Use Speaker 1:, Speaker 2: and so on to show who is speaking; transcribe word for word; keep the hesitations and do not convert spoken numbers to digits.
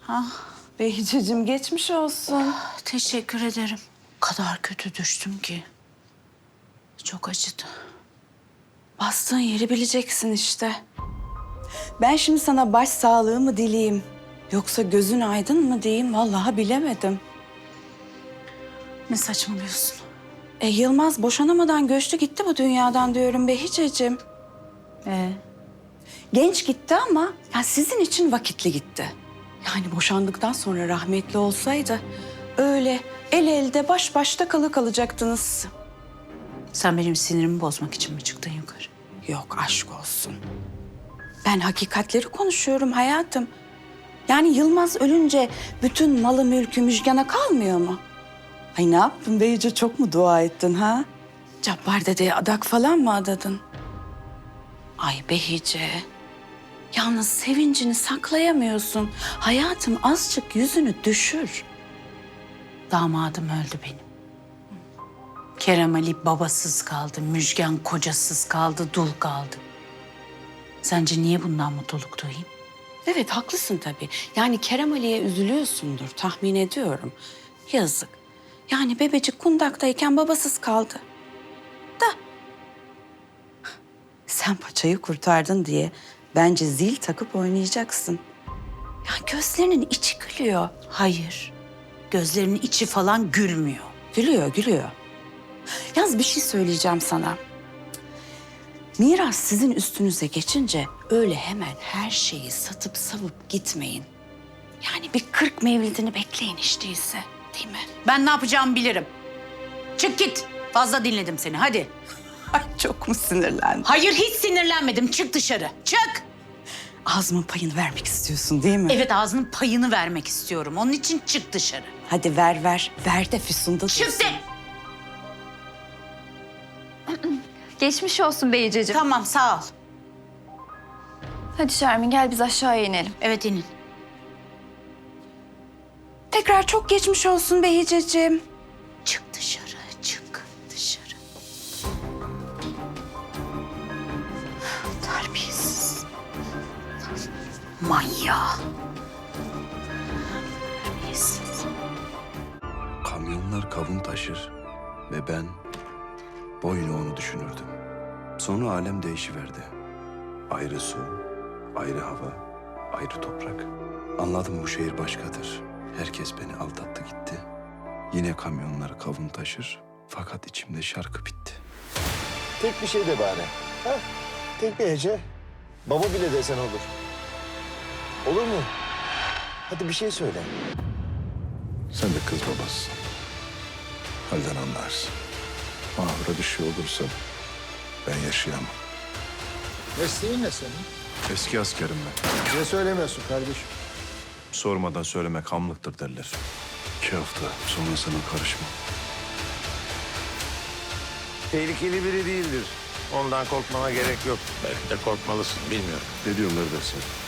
Speaker 1: Ah, Behiceciğim geçmiş olsun.
Speaker 2: Teşekkür ederim. O kadar kötü düştüm ki. Çok acıdı.
Speaker 1: Bastığın yeri bileceksin işte. Ben şimdi sana baş sağlığı mı dileyeyim? Yoksa gözün aydın mı diyeyim? Vallahi bilemedim.
Speaker 2: Ne saçmalıyorsun?
Speaker 1: E Yılmaz boşanamadan göçtü gitti bu dünyadan diyorum Behiceciğim.
Speaker 2: Ee,
Speaker 1: Genç gitti ama yani sizin için vakitli gitti. Yani boşandıktan sonra rahmetli olsaydı öyle el elde baş başta kalı kalacaktınız.
Speaker 2: sen benim sinirimi bozmak için mi çıktın yukarı?
Speaker 1: Yok aşk olsun. Ben hakikatleri konuşuyorum hayatım. Yani Yılmaz ölünce bütün malı mülkü Müjgan'a kalmıyor mu? Ay ne yaptın Beyice, çok mu dua ettin ha? Cabbar dedeye adak falan mı adadın? Ay Behice, yalnız sevincini saklayamıyorsun. Hayatım azıcık yüzünü düşür.
Speaker 2: Damadım öldü benim. Kerem Ali babasız kaldı, Müjgan kocasız kaldı, dul kaldı. Sence niye bundan mutluluk duyayım?
Speaker 1: Evet haklısın tabii. Yani Kerem Ali'ye üzülüyorsundur tahmin ediyorum. Yazık. Yani bebecik kundaktayken babasız kaldı. Da sen paçayı kurtardın diye bence zil takıp oynayacaksın. Ya gözlerinin içi gülüyor.
Speaker 2: Hayır, gözlerinin içi falan gülmüyor.
Speaker 1: Gülüyor, gülüyor. Yalnız bir şey söyleyeceğim sana. Miras sizin üstünüze geçince öyle hemen her şeyi satıp savup gitmeyin. Yani bir kırk mevlidini bekleyin hiç değilse, değil mi?
Speaker 2: Ben ne yapacağımı bilirim. Çık git. Fazla dinledim seni, hadi.
Speaker 1: Ay çok mu sinirlendin?
Speaker 2: Hayır, hiç sinirlenmedim. Çık dışarı, çık.
Speaker 1: Ağzımın payını vermek istiyorsun değil mi?
Speaker 2: Evet, ağzının payını vermek istiyorum. Onun için çık dışarı.
Speaker 1: Hadi ver ver. Ver de Füsun'da
Speaker 2: Çık
Speaker 1: dursun.
Speaker 2: de.
Speaker 3: Geçmiş olsun Beyiceciğim.
Speaker 2: Tamam, sağ ol.
Speaker 3: Hadi Şermin gel biz aşağıya inelim.
Speaker 2: Evet, inin.
Speaker 1: Tekrar çok geçmiş olsun Behiceciğim.
Speaker 2: Çık dışarı, çık dışarı. Terbiyesiz. Manyağı. Terbiyesiz.
Speaker 4: Kamyonlar kavun taşır ve ben boyuna onu düşünürdüm. Sonra alem değişiverdi. Ayrı su, ayrı hava, ayrı toprak. Anladım bu şehir başkadır. Herkes beni aldattı gitti. Yine kamyonlar kavun taşır fakat içimde şarkı bitti.
Speaker 5: Tek bir şey de bari. Ha? Tek bir hece. Baba bile desen olur. Olur mu? Hadi bir şey söyle.
Speaker 4: Sen de kız babasısın. Halden anlarsın. Mahvura bir şey olursa ben yaşayamam.
Speaker 5: Mesleğin ne senin?
Speaker 4: Eski askerim ben.
Speaker 5: Niye söylemiyorsun kardeşim?
Speaker 4: Sormadan söylemek hamlıktır derler. İki hafta sonra sana karışmam.
Speaker 6: Tehlikeli biri değildir. Ondan korkmana gerek yok. Belki de korkmalısın, bilmiyorum.
Speaker 4: Ne diyorlar dersin?